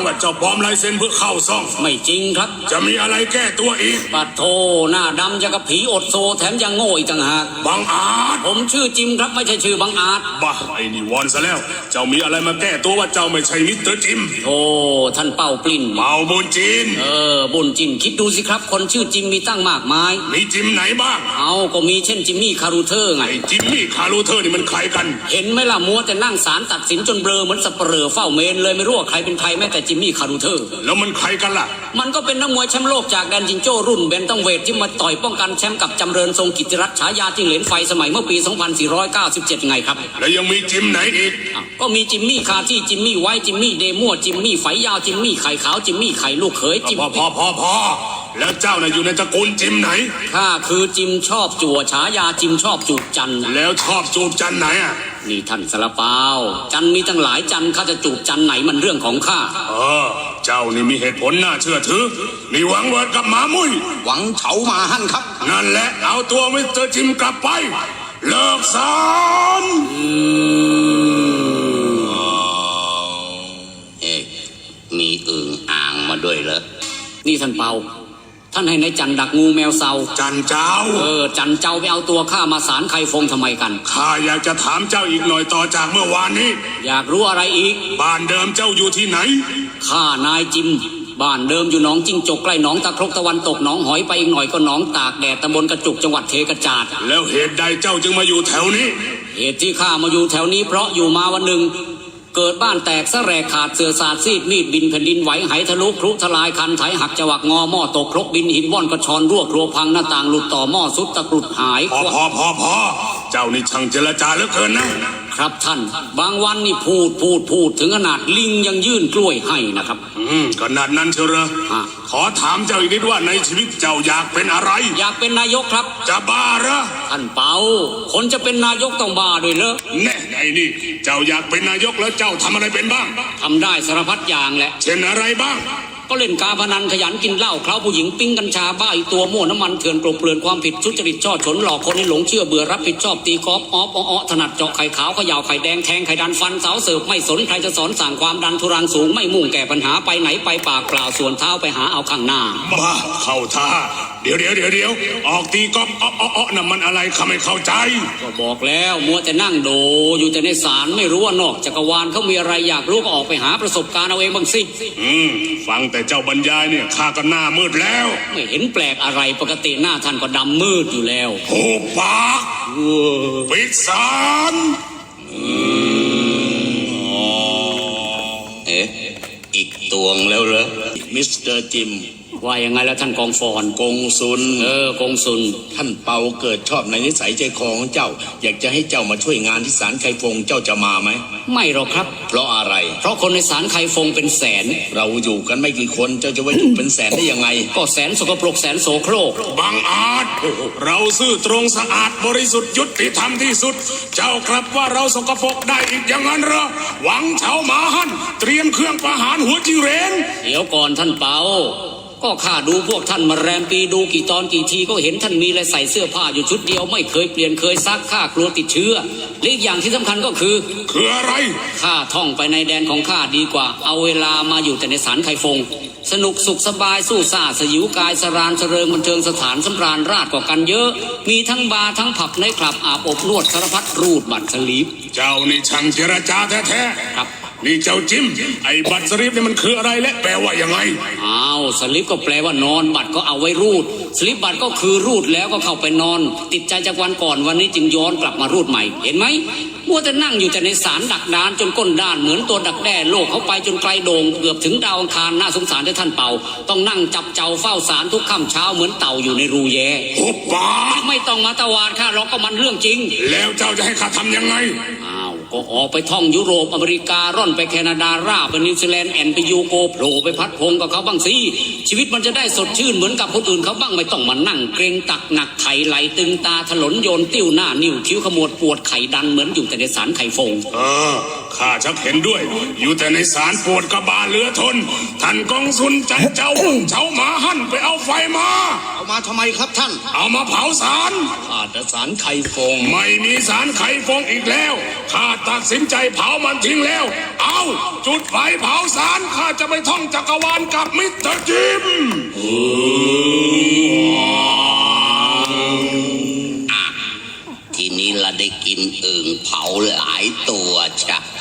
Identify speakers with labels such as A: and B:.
A: ว่าเจ้าปลอมลายเซ็นเพื่อเข้าซ่อง
B: ไม่จริงครับ
A: จะมีอะไรแก้ตัวอีก
B: ปัดโทหน้าดำจะกับผีอดโซแถมยังโง่อีกต่างหาก
A: บังอาจ
B: ผมชื่อจิมครับไม่ใช่ชื่อบังอาจ
A: บ้าไอ้นี่วอนซะแล้วเจ้ามีอะไรมาแก้ตัวว่าเจ้าไม่ใช่มิสเตอร์จิม
B: โอ้ท่านเป่าปลิ้น
A: เป่าบุญจิน
B: บุญจินคิดดูสิครับคนชื่อจิมมีตั้งมากมาย
A: มีจิมไหนบ้าง
B: เอาก็มีเช่นจิมมี่คารูเทอร์ไง
A: ไอ้จิมมี่คารูเทอร์นี่มันใครกัน
B: เห็นไหมล่ะมัวแต่นั่งศาลตัดสินจนเบลอเหมือนสับเปลือเฝ้าเมนเลยไม่รู้ว่าใครเป็นใครแม้แต่จิมมี่คารูเทอร์
A: แล้วมันใครกันล่ะ
B: มันก็เป็นนักมวยแชมป์โลกจากแดนจิงโจ้รุ่นเบนตัมเวทที่มาต่อยป้องกันแชมป์กับจำเริญทรงกิตติรัตน์ฉายาจิ้งเหลนไฟสมัยเมื่อปี 2497 ไงครับ
A: แล้วยังมีจิมไหนอีก
B: ก็มีจิมมี่คาที่จิมมี่ไว้จิมมี่เดมั่วจิมมี่ไฟยาวจิมมี่ไข่ขาวจิมมี่ไข่ลูกเขยจิม
A: พอแล้วเจ้าน่ะอยู่ในตระกูลจิมไหน
B: ข้าคือจิมชอบจั่วฉายาจิมชอบจูบจัน
A: แล้วชอบจูบจันไหนอ่ะ
B: นี่ท่านสารเปาจันมีตั้งหลายจันข้าจะจูบจันไหนมันเรื่องของข้า
A: เจ้านี่มีเหตุผลน่าเชื่อถือนี่หวังเวิร์ดกับหมามุ้ย
C: หวังเฉามาหั่นครับ
A: นั่นแหละเอาตัวมิสเตอร์จิมกลับไปเลิกสอน
C: มีอึ่งอ่างมาด้วยเหรอ
B: นี่ท่านเปาท่านให้นายจันดักงูแมวเซา
A: จันเจ้า
B: จันเจ้าไปเอาตัวข้ามาศาลไข่ฟงทำไมกัน
A: ข้าอยากจะถามเจ้าอีกหน่อยต่อจากเมื่อวานนี้
B: อยากรู้อะไรอีก
A: บ้านเดิมเจ้าอยู่ที่ไหน
B: ข้านายจิมบ้านเดิมอยู่หนองจิ้งจกใกล้หนองตะครกตะวันตกหนองหอยไปอีกหน่อยก็หนองตากแดดตำบลกระจุกจังหวัดเทกระจาด
A: แล้วเหตุใดเจ้าจึงมาอยู่แถวนี้
B: เหตุที่ข้ามาอยู่แถวนี้เพราะอยู่มาวันหนึ่งเกิดบ้านแตกสะแรกขาดเสือสาดซีดมีดบินแผ่นดินไหวไหทะลุครุทลายคันไถหักจวักงอหม้อตกครกบินหินว่อนกระชอนรั่วครัวพังหน้าต่างหลุดต่อหม้อสุดตะกรุดหาย
A: พอเจ้านี่ช่างเจรจาเหลือเกินนะครับ
B: ท่านบางวันนี่พูดถึงขนาดลิงยังยื่นกล้วยให้นะครับ
A: ขนาดนั้นเชียวเหรอขอถามเจ้าอีกนิดว่าในชีวิตเจ้าอยากเป็นอะไร
B: อยากเป็นนายกครับ
A: จะบ้าเหรอ
B: ท่านเปาคนจะเป็นนายกต้องบ้าด้วยเหรอ
A: แน่ไอ้นี่เจ้าอยากเป็นนายกแล้วเจ้าทำอะไรเป็นบ้าง
B: ทำได้สารพัดอย่างแหละ
A: เช่นอะไรบ้าง
B: ก็เล่นการพนันขยันกินเหล้าเคล้าผู้หญิงปิ้งกัญชาบ้าอีตัวมั่วน้ำมันเถื่อนกลบเกลื่อนความผิดทุจริตช่อฉนหลอกคนให้หลงเชื่อเบื่อรับผิดชอบตีกอล์ฟถนัดเจาะไข่ขาวเขย่าไข่แดงแทงไข่ดันฟันสาวเสิร์ฟไม่สนใครจะสอนสั่งความดันทุรังสูงไม่มุ่งแก้ปัญหาไปไหนไปปากเปล่าส่วนเท้าไปหาเอาข้างหน้า
A: บ้าเข้าท่าเดี๋ยวออกตีกอล์ฟน่ะมันอะไรข้าไม่เข้าใจ
B: ก็บอกแล้วมัวแต่นั่งโดอยู่แต่ในศาลไม่รู้ว่านอกจักรวาลเขามีอะไรอยากรู้ก็ออกไปหาประสบการณ์เอาเองบ้างสิ
A: ฟังแต่เจ้าบรรยายเนี่ยข้าก็หน้ามืดแล้ว
B: ไม่เห็นแปลกอะไรปกติหน้าท่านก็ดำมืดอยู่แล้ว
A: หูปากปิดศาล
C: อีกตวงแล้วเหรอมิสเตอร์จิม
B: ว่ายังไงแล้วท่านกองฟอน
C: กงซุน
B: กงซุน
C: ท่านเปาเกิดชอบในนิสัยใจคอของเจ้าอยากจะให้เจ้ามาช่วยงานที่ศาลไข่ฟงเจ้าจะมาไหม
B: ไม่หรอกครับ
C: เพราะอะไร
B: เพราะคนในศาลไข่ฟงเป็นแสน
C: เราอยู่กันไม่กี่คนเจ้าจะว่าอยู่เป็นแสนได้ยังไง
B: ก็แสนสกปรกแสนโสโครก
A: บังอาจเราซื่อตรงสะอาดบริสุทธิ์ยุติธรรมที่สุดเจ้าครับว่าเราสกปรกได้อีกอย่างนั้นเหรอหวังเฉาหมาหั่นเตรียมเครื่องประหารหัวจิงเหรน
B: เดี๋ยวก่อนท่านเปาก็ข้าดูพวกท่านมาแรมปีดูกี่ตอนกี่ทีก็เห็นท่านมีอะไรใส่เสื้อผ้าอยู่ชุดเดียวไม่เคยเปลี่ยนเคยซักข้ากลัวติดเชื้อและอีกอย่างที่สำคัญก็คือ
A: อะไร
B: ข้าท่องไปในแดนของข้าดีกว่าเอาเวลามาอยู่แต่ในศาลไข่ฟงสนุกสุขสบายสู้ซ่าสยิวกายสรานเสริงบันเทิงสถานสำราญราชกว่ากันเยอะมีทั้งบาร์ทั้งผับในคลับอาบอบนวดสารพัดรูดบัตรสลีป
A: เจ้านี่ช่างเจรจาแท้
B: ๆครับ
A: นี่เจ้าจิมไอ้บัตรสลิปนี่มันคืออะไรและแปลว่ายังไง
B: สลิปก็แปลว่านอนบัตรก็เอาไว้รูดสลิปบัตรก็คือรูดแล้วก็เข้าไปนอนติดใจจากวันก่อนวันนี้จึงย้อนกลับมารูดใหม่เห็นไหมมัวแต่นั่งอยู่แต่ในศาลดักดานจนก้นด้านเหมือนตัวดักแด้โลกเขาไปจนไกลโด่งเกือบถึงดาวอังคารน่าสงสารที่ท่านเป่าต้องนั่งจับเจ้าเฝ้าศาลทุกค่ำเช้าเหมือนเต่าอยู่ในรูแย่
A: หุบปาก
B: ไม่ต้องมาตะวาดข้าหรอกก็มันเรื่องจริง
A: แล้วเจ้าจะให้ข้าทำยังไง
B: ก็ออกไปท่องยุโรปอเมริการ่อนไปแคนาดาราไปนิวซีแลนด์แอนไปยูโกโผล่ไปพัดพงกับเขาบ้างสิชีวิตมันจะได้สดชื่นเหมือนกับคนอื่นเขาบ้างไม่ต้องมานั่งเกรงตักหนักไข่ไหลตึงตาถลนโยนติ้วหน้านิ้วคิ้วขมวดปวดไข่ดันเหมือนอยู่แต่ในศาลไข่ฟง
A: ข้าชักเห็นด้วย อยู่แต่ในศาลปวดกระบาลเหลือทน ท่านกองสุนจันเจ้าเจ้าหมาหั่นไปเอาไฟมา
D: เอามาทำไมครับท่าน
A: เอามาเผาศาล
C: ข้าแต่สารไข่ฟง
A: ไม่มีสารไข่ฟงอีกแล้ว ข้าตัดสินใจเผามันทิ้งแล้ว เอาจุดไฟเผาสารข้าจะไปท่องจักรวาลกับมิสเตอร์จิม
E: ทีนี้เราได้กินอึ่งเผาหลายตัวจ้ะ